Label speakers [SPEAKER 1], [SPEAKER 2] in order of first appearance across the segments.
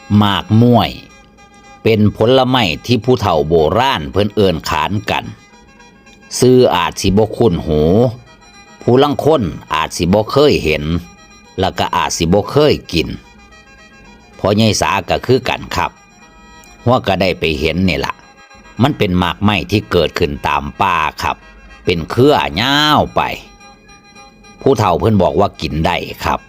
[SPEAKER 1] หมากม่วยเป็นผลไม้ที่ผู้เฒ่าโบราณเพิ่นเอิ้นขานกันซื้ออาจสิบ่คุ้นหูผู้ลางคนอาจสิบ่เคยเห็นแล้วก็อาจสิบ่เคยกินพอใหญ่สาก็คือกันครับหัวก็ได้ไปเห็นนี่ล่ะมันเป็นหมากไม้ที่เกิดขึ้นตามป่าครับเป็นเครือยาวไปผู้เฒ่าเพิ่นบอกว่ากินได้ครับ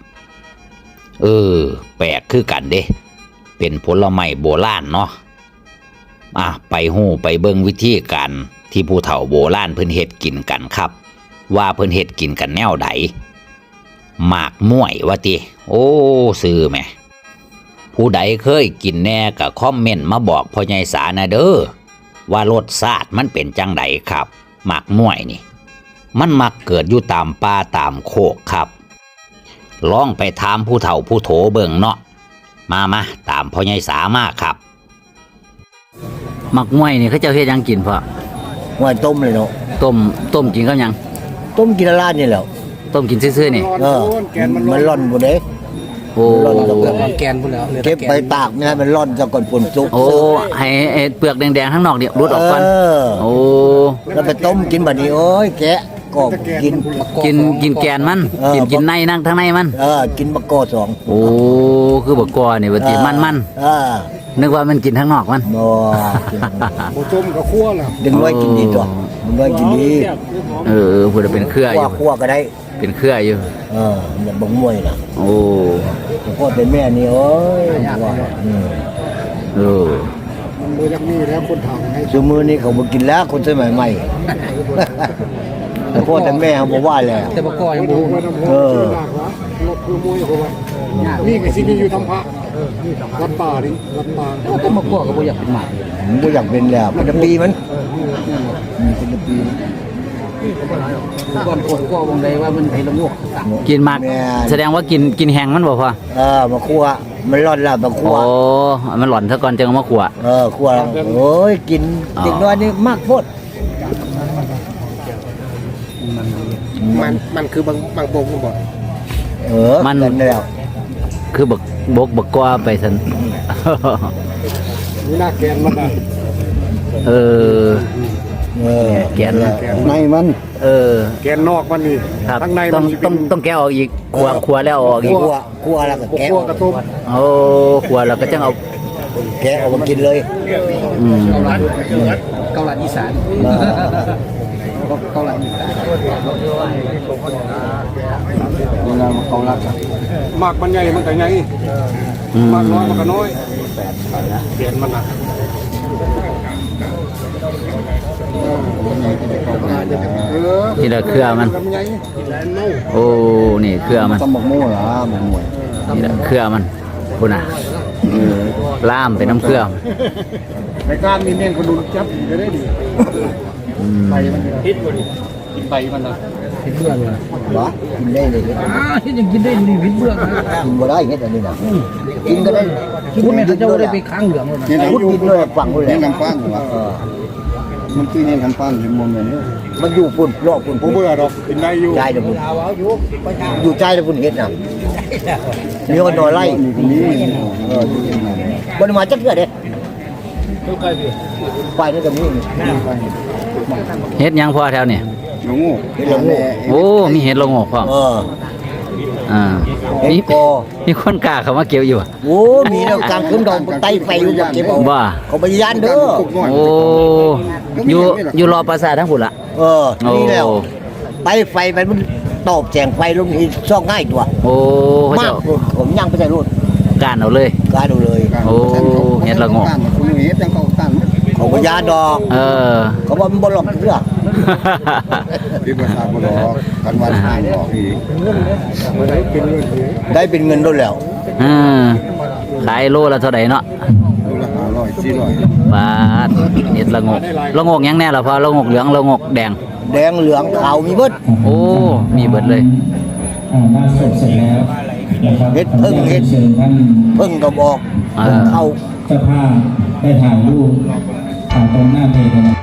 [SPEAKER 1] แปลกคือกันเด้เป็นผลไม้โบราณเนาะไปฮู้ไปเบิ่งวิธีการที่ผู้เฒ่าโบราณเพิ่นเฮ็ดกินกันครับว่าเพิ่นเฮ็ดกินกันแนวใดหมากม่วยว่าติซื้อแหมผู้ใดเคยกินแน่ก็คอมเมนต์มาบอกพ่อใหญ่สานะเด้อว่ารสชาติมันเป็นจังไดครับหมากม่วยนี่มันมักเกิดอยู่ตามป่าตามโคกครับลองไปถามผู้เฒ่าผู้โถเบิ่งเนาะมาตามพ่อใหญ่สามาครับหมักม่วยนี่เขาเจ้าเฮ็ดหยังกินพ่อ
[SPEAKER 2] ม่วยต้มเลยเนาะ
[SPEAKER 1] ต้มกินกับหยัง
[SPEAKER 2] ต้มกินละลาดนี่แหละ
[SPEAKER 1] ต้มกินซื่อๆนี่
[SPEAKER 2] มันร่อนบ่เด้
[SPEAKER 1] ร่อน
[SPEAKER 3] แกนพุ่นแล้ว
[SPEAKER 2] เก็บไปตากไม่ให้มันร่อนซะก่อนฝนตก
[SPEAKER 1] ให้เปลือกแดงๆข้างนอกเนี่ยรุดออกก่อน
[SPEAKER 2] แล้วไปต้มกินบัดนี้โอ้ยแกะก็
[SPEAKER 1] กินแกนมันกินในนั่งทั้งในมัน
[SPEAKER 2] กินบักกอ2
[SPEAKER 1] คือบักกอนี่ว่าติมันนึกว่ามันกินทั้งนอกมัน
[SPEAKER 3] บ่ต้มก็คั่วแล้ว
[SPEAKER 2] ดึงไว้กินดีตัวดึงไว้กินดี
[SPEAKER 1] พูดเป็นเครืออยู่
[SPEAKER 2] คั่วก็ได้
[SPEAKER 1] เป็นเครืออยู่
[SPEAKER 2] เนี่ยบักม่วยน่ะพ่อเป็นแม่นี่โอ้ย
[SPEAKER 3] มือยังมีแล้วคนทำให้
[SPEAKER 2] ซุมื้อนี้เขาบ่กินแล้วคนสมัยใหม่พ่อแต่แม่เขาบอกว่าแล้ว
[SPEAKER 3] แต่บ่ก่อยังบ่คือมวยเขาว่านี่ก็สิมีอยู่ทำพระวัดป่านี่วัดป่า
[SPEAKER 1] แต่บ่ก่อก็บ่อยากเป็นหมาก
[SPEAKER 2] บ่อยากเป็นแล้วเป็นปีมันเป็นปี
[SPEAKER 3] ก่อนคนก็วงใดว่ามันให้ละงก
[SPEAKER 1] กินหมากแสดงว่ากินแห้งมันบ่พอ
[SPEAKER 2] มาคั่วมันร้อนแล้วมาคั่ว
[SPEAKER 1] มันหล่อนซะก่อนจึงเอามาคั่ว
[SPEAKER 2] คั่วโอ้ยกินเด็กน้อยนี่มากโพด
[SPEAKER 3] มันคือบางโบกบ่
[SPEAKER 1] มันแล้วคือบักกว่าไปซั่น
[SPEAKER 3] นี่น่าแกนมัน
[SPEAKER 1] แกน
[SPEAKER 2] ในมัน
[SPEAKER 3] แกนนอกมันนี่
[SPEAKER 1] ข้างในต้องแกะออกอีกคั่วแล้วออกอีก
[SPEAKER 2] คั่วแล้วก็แกะ
[SPEAKER 3] กระตุ้ม
[SPEAKER 1] คั่วแล้วก็จังเอา
[SPEAKER 2] แกะออกมากินเลย
[SPEAKER 3] เกาลัดอีสานเกาลัดอีสานเกาลัดมากมันใหญ่มันก็ใหญ่มากน้อยมันก็น้อยเปลี่ยนมันนะ
[SPEAKER 1] นี่แหละเครือมันนี่เครือมัน
[SPEAKER 2] ต้องบอกโม่เหรอหมวย
[SPEAKER 1] นี่แหละเครือมันพุ่นน่ะล่ามเป็นน้ำเครือ
[SPEAKER 3] ในการมีเม่นคนดูจับจะได้ดีไปมันพิษบ่ดิกินไปมันนะพิษเบื่อเลย
[SPEAKER 2] เหรอกินได้เลย
[SPEAKER 3] ยังกินได้ดีพิษเบื่อ
[SPEAKER 2] กินบ่ได้เงี้ยอันนี้นะกินก็ได้
[SPEAKER 3] คุณแม่เจ้าได้ไปค้างเหลืองเลย
[SPEAKER 2] พูดกินเลยฝังเลย
[SPEAKER 3] นี่น้ำปั้นเหรอมันคือเนี่ยน้ำปั้นเป็นมุมแบบนี้
[SPEAKER 2] มันอยู่ปุ่นรอบปุ่น
[SPEAKER 3] ผมเบื่อหรอกกินได้อยู่
[SPEAKER 2] ใจเดี๋ยวปุ่นอยู่ใจเดี๋ยวปุ่นเฮ็ดนะมีคนนอนไล่บนมาจักเกิดเด็ดไปนี่ก็มี
[SPEAKER 1] เฮ็ดยังพอแถวนี่มีเฮ็ดละโงกพร้อมมีคนกล้าเขามาเกี่ยวอยู่
[SPEAKER 2] มีแล้วกลางคืนดอกไตไฟอยู่เก็บ
[SPEAKER 1] ว่า
[SPEAKER 2] เขาไปย่านเด้อ
[SPEAKER 1] อยู่รอปราสาททั้งพุ่นละ
[SPEAKER 2] นี่แล้วไตไฟมันตอบแสงไฟลงที่ซอกง่ายตัวมากผมย่างไปใส่รถ
[SPEAKER 1] การเอาเลยเฮ็ดละโงก
[SPEAKER 2] เขาไปย่านดอกเขาว่ามันบ่หลอกเด้อ
[SPEAKER 3] ที่ประชาชนบอกกันวันหายบอกอีก
[SPEAKER 2] ได้เป็นเงินด้วยแล้ว
[SPEAKER 1] ขายโลละเท่าไหร่เนาะ
[SPEAKER 3] โลละ500 400
[SPEAKER 1] บาทเห็ดละงกยังแน่ล่ะพอละงกเหลืองละงกแดง
[SPEAKER 2] เหลืองขาวมีเบิด
[SPEAKER 1] มีเบิดเลย
[SPEAKER 2] เห็ดพึ่งก็บอกเข้า
[SPEAKER 4] เจ้าภาพได้ถ่ายรูปตรงหน้าเพจ